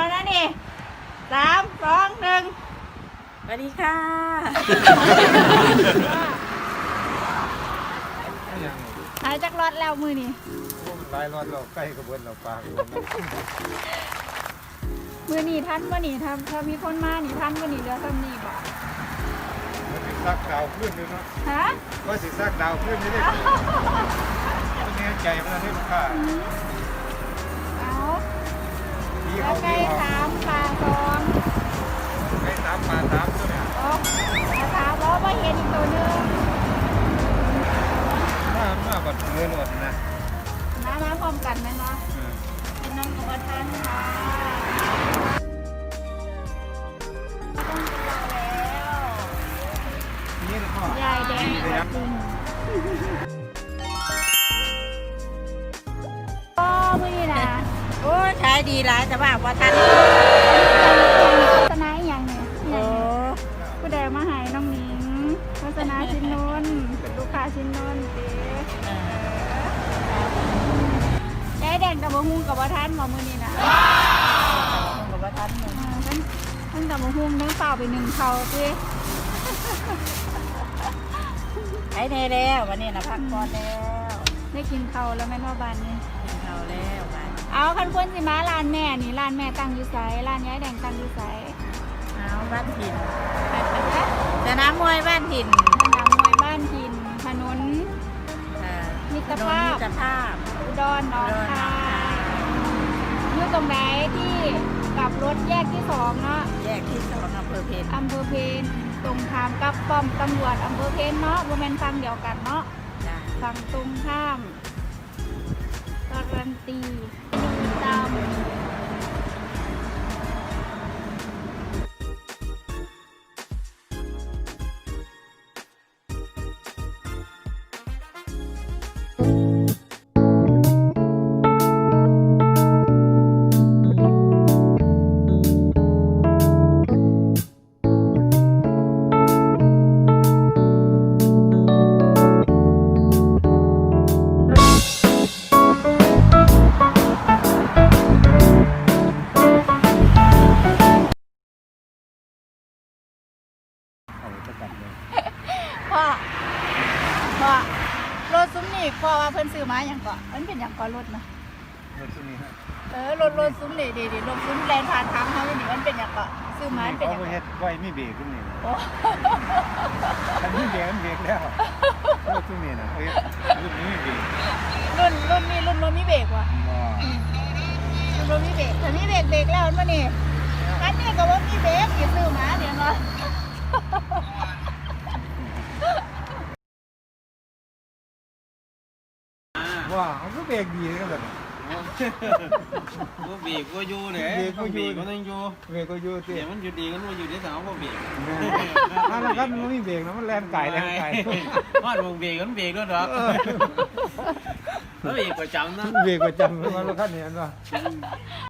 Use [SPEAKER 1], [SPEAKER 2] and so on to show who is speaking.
[SPEAKER 1] แล้วนะนี่3 2 1สวัสดีค่ะหายจากรถแล้วมือนี่
[SPEAKER 2] ลายรอดเราใกล้กระบวนเราปาง
[SPEAKER 1] มือนี่ท่านว่านี่ถ้ามีคนมานี่ท่านว่านี่เรือซ้ำนี่บอก
[SPEAKER 2] มันสิซักดาวขึ้นเลยเนาะ
[SPEAKER 1] ฮะ
[SPEAKER 2] ว่าสิซักดาวขึ้นนี่ได้ตัวนี้ใจมันได้ลูกค้า
[SPEAKER 1] เอาแล้วไก่ถามปลาซอง
[SPEAKER 2] ไก่ถามปลาถามตัวเนี่ย
[SPEAKER 1] อ๋อถามว่าว่าเห็นอีกตัวนึง
[SPEAKER 2] มาบัดเงินหมดนะ
[SPEAKER 1] มาพร้อมกันไหมเนาะเป็นน้องกับท่านค่ะต้องตัวแล้ว
[SPEAKER 2] นี่นะพ่อย
[SPEAKER 1] ายแดงจริงโอ้มือนี่นะ
[SPEAKER 3] โอ้ขายดีหลายแต่ว่าทัน
[SPEAKER 1] โฆษณาอย่างเนี่ยผู้ใดมาหายน้องหนิงโฆษณาชิ้นนนเป็นลูกค้าชิ้นนนเด้ยายแดงกับมะฮุ่งกับท่านหมอมือนี่นะ
[SPEAKER 3] กับว่าทัน
[SPEAKER 1] ท่านกับมะฮุ่งเนื้อเปล่าไป1เขาสิ
[SPEAKER 3] ขายแน่แล้ววันนี้นะพักก่อนแล้ว
[SPEAKER 1] ได้กินเขาแล้วแม่นว่าบ้านนี้
[SPEAKER 3] กินเขาแล้วไป
[SPEAKER 1] เอาคันคนสิมาร้านแม่นี่ร้านแม่ตั้งอยู่ไสร้านยายแดงตั้งอยู่ไส
[SPEAKER 3] เอาบ้านถิ่นสนามมวยบ้านถิ่น
[SPEAKER 1] สนามมวยบ้านถิ่นถนนมิตรภาพอุดรหนองคายอยู่ตรงไหนที่กลับรถแยกที่2เนาะ
[SPEAKER 3] แยกที่2อำเภอเพน
[SPEAKER 1] ตรงข้ามกับป้อมตำรวจอำเภอเพนเนาะบ่แม่นฝั่งเดียวกันเนาะฝั่งตรงข้ามการันตีตามพ่อรถซุ้มนี่พ่อว่าเพิ่นซื้อมาอย่างก่อนมันเป็นอย่างก่อนรถนะ
[SPEAKER 2] รถซุ้มนี่ฮะ
[SPEAKER 1] รถซุ้มนี่ดีรถซุ้มแลนผ่านทางเขานี่มันเป็นอย่างก่อนซื้อมาเป็นอย่างก่อน
[SPEAKER 2] เฮ็ดไว้ไม่เบรกขึ้นนี่อันนี้เบรกมันเบรกแล้วรถซุ้มนี่นะรุ่นนี้ไม่เบรก
[SPEAKER 1] รุ่นมีเบรกว่ะรุ่นมีเบรกแต่นี่เบรกแล้วมันนี่อันนี้ก็ว่ามีเบรกอย่าซื้อมาเดี๋ยวเนาะ
[SPEAKER 2] ว้ามันก็เบรกดีกันแบบ
[SPEAKER 4] ก็เบรกก็อยู่เนี่ยเบรกก็ต้องอยู่
[SPEAKER 2] เบรกก็อยู่
[SPEAKER 4] เสียมันอยู่ดีกันว่าอยู่ที่สาวก็เบรก
[SPEAKER 2] แล้วก็มันไม่เบรกนะมันแรงไก่
[SPEAKER 4] ว่ามึงเบรกมันเบรกด้วยหรอแล้วเบรกประจำนะ
[SPEAKER 2] เบรกประจำแล้วขั้นนี้นะ